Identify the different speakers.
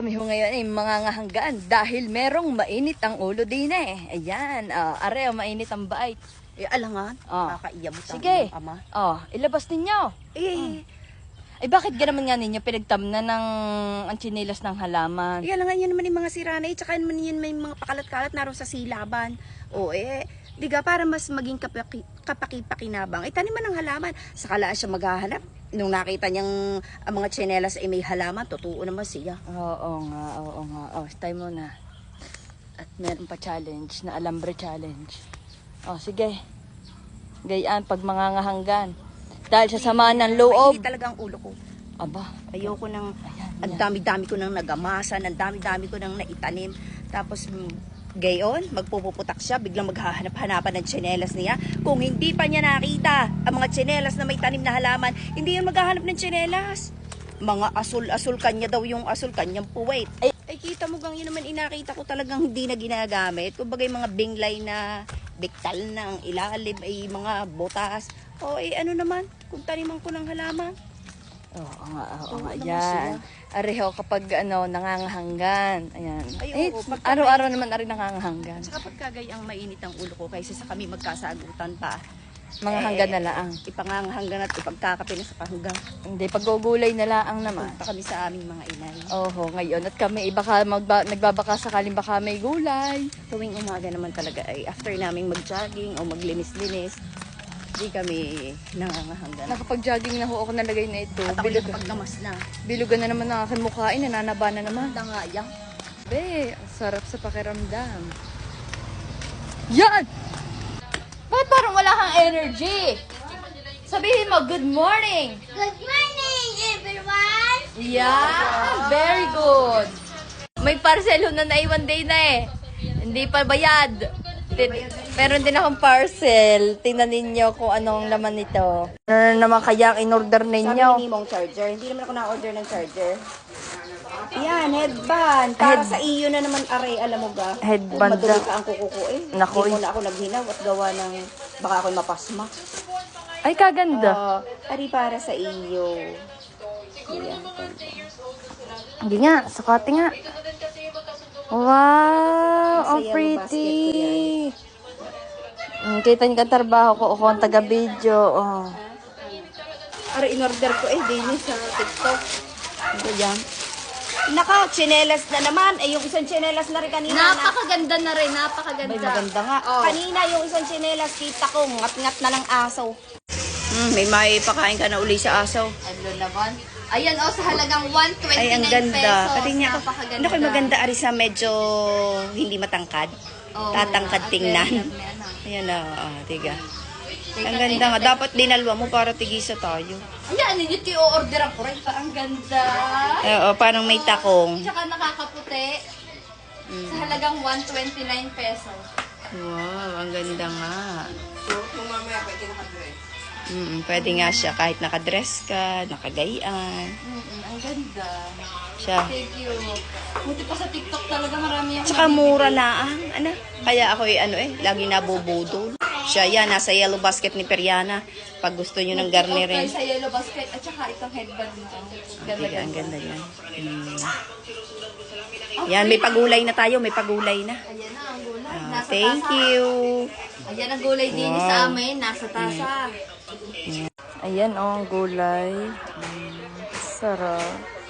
Speaker 1: Kami ho ngayon ay mangangahanggaan dahil merong mainit ang ulo din eh. Ayan, are, mainit ang bait.
Speaker 2: Alangan,
Speaker 1: Oh.
Speaker 2: kakaiyabot ang
Speaker 1: Sige.
Speaker 2: iyong ama.
Speaker 1: Ilabas ninyo. Ay bakit ganaman nga ninyo pinagtamna ng ang tsinelas ng halaman?
Speaker 2: Alangan yun naman yung mga siranay, tsaka naman yun may mga pakalat-kalat naroon sa silaban. Diga, para mas maging kapaki-pakinabang. Taniman ng halaman, sakala siya maghahanap. Nung nakita niyang ang mga tsinelas ay may halaman, totoo naman siya.
Speaker 1: Oo nga. Stay mo na. At meron pa challenge na alambre challenge. Sige. Gayaan pag mangangahanggan. Dahil sa sama ng loob.
Speaker 2: Mainit talaga ang ulo ko.
Speaker 1: Aba.
Speaker 2: Ayoko nang,
Speaker 1: Ayan.
Speaker 2: ang dami-dami ko nang nagamasan, ang dami-dami ko nang naitanim. Tapos, gayon, magpupuputak siya, biglang maghahanap-hanapan ng tsinelas niya. Kung hindi pa niya nakita ang mga tsinelas na may tanim na halaman, hindi yan maghahanap ng tsinelas. Mga asul-asul, kanya daw yung asul, kanyang puwet. Ay, kita mo gang yun naman inakita ko talagang hindi na ginagamit. Kumbaga yung mga binglay na biktal na ang ilalim ay mga botas. Ano naman, kung taniman ko ng halaman.
Speaker 1: Oo nga,
Speaker 2: naman
Speaker 1: yan.
Speaker 2: siya.
Speaker 1: Areho kapag nangangahanggan. Ayan.
Speaker 2: Ay, oo,
Speaker 1: Araw-araw naman ari nangangahanggan.
Speaker 2: Saka pagkagay ang mainit ang ulo ko kaysa sa kami magkasagutan pa.
Speaker 1: Mga hanggan na laang.
Speaker 2: Ipangangahanggan at ipagkakape na sa kahanggang.
Speaker 1: Hindi, paggugulay na laang naman.
Speaker 2: Punta kami sa aming mga inay.
Speaker 1: Oho, ngayon. At kami, baka nagbabaka sakaling baka may gulay.
Speaker 2: Tuwing umaga naman talaga ay after naming mag-jogging o maglinis-linis, di kami nangangahanggan.
Speaker 1: Nakapag-jogging na ho ako nalagay na ito.
Speaker 2: At ako nakapagnamas na.
Speaker 1: Bilugan na naman ang aking mukhain, nananaba na naman.
Speaker 2: Dangayang.
Speaker 1: Be, ang sarap sa pakiramdam. Yan! Bakit parang wala kang energy? Sabihin mo, good morning!
Speaker 3: Good morning, everyone!
Speaker 1: Yeah, very good. May parcel ho na naiwan day na eh. Hindi pa bayad. Meron din akong parcel. Tingnan ninyo kung anong laman nito. Ano naman kaya ang in-order
Speaker 2: Sabi
Speaker 1: ninyo?
Speaker 2: ni Mong charger. Hindi naman ako na-order ng charger. Yan, headband. Para sa iyo na naman, aray, alam mo ba?
Speaker 1: Headband
Speaker 2: Madumi
Speaker 1: daw.
Speaker 2: ka ang kuko eh.
Speaker 1: Naku,
Speaker 2: Hindi mo na ako naghinaw at gawa ng baka ako'y mapasma.
Speaker 1: Ay, kaganda.
Speaker 2: Ari para sa iyo. Yan.
Speaker 1: Hindi nga, sukati nga. Wow, ang
Speaker 2: Masaya yung
Speaker 1: pretty.
Speaker 2: basket
Speaker 1: Kita niyo ang trabaho ko, ako ang taga-video.
Speaker 2: Ari, in-order ko din sa TikTok. Ito yan. Naka, tsinelas na naman. Yung isang tsinelas na rin kanina.
Speaker 1: Napakaganda na rin, napakaganda.
Speaker 2: May maganda nga. Kanina yung isang tsinelas, kita ko, ngat-ngat na lang asaw. May maipakain ka na uli sa asaw.
Speaker 1: Ano naman? Ayan sa halagang 129
Speaker 2: Ay, ang ganda.
Speaker 1: pesos.
Speaker 2: Pati niya ako.
Speaker 1: Napakaganda.
Speaker 2: Ano ko'y maganda, ari sa medyo hindi matangkad. Tatangkad tingnan. Ayan na, tiga. Ang ganda nga. Dapat dinalwa mo para tigisa tayo.
Speaker 1: Ayan, yun yung i-order ko rin. Ang ganda.
Speaker 2: Parang may takong.
Speaker 1: Tsaka nakakaputi. Sa halagang 129 pesos.
Speaker 2: Wow, ang ganda nga. Pwede nga siya kahit nakadress ka, nakagayaan.
Speaker 1: Ang ganda.
Speaker 2: Siya.
Speaker 1: Thank you. Buti pa sa TikTok talaga marami yung
Speaker 2: Tsaka mura na Kaya ako lagi nabubudol. Siya yan, nasa yellow basket ni Periana. Pag gusto nyo ng garnirin.
Speaker 1: sa yellow basket at saka itong headband nito.
Speaker 2: Tiga, ang ganda yan. Yan, may pagulay na tayo, may pagulay na.
Speaker 1: Ayan na ang gulay. Nasa
Speaker 2: Thank
Speaker 1: tasa.
Speaker 2: you.
Speaker 1: Ayan ang gulay din sa amin. Nasa tasa. Ayan ang gulay. Sarap.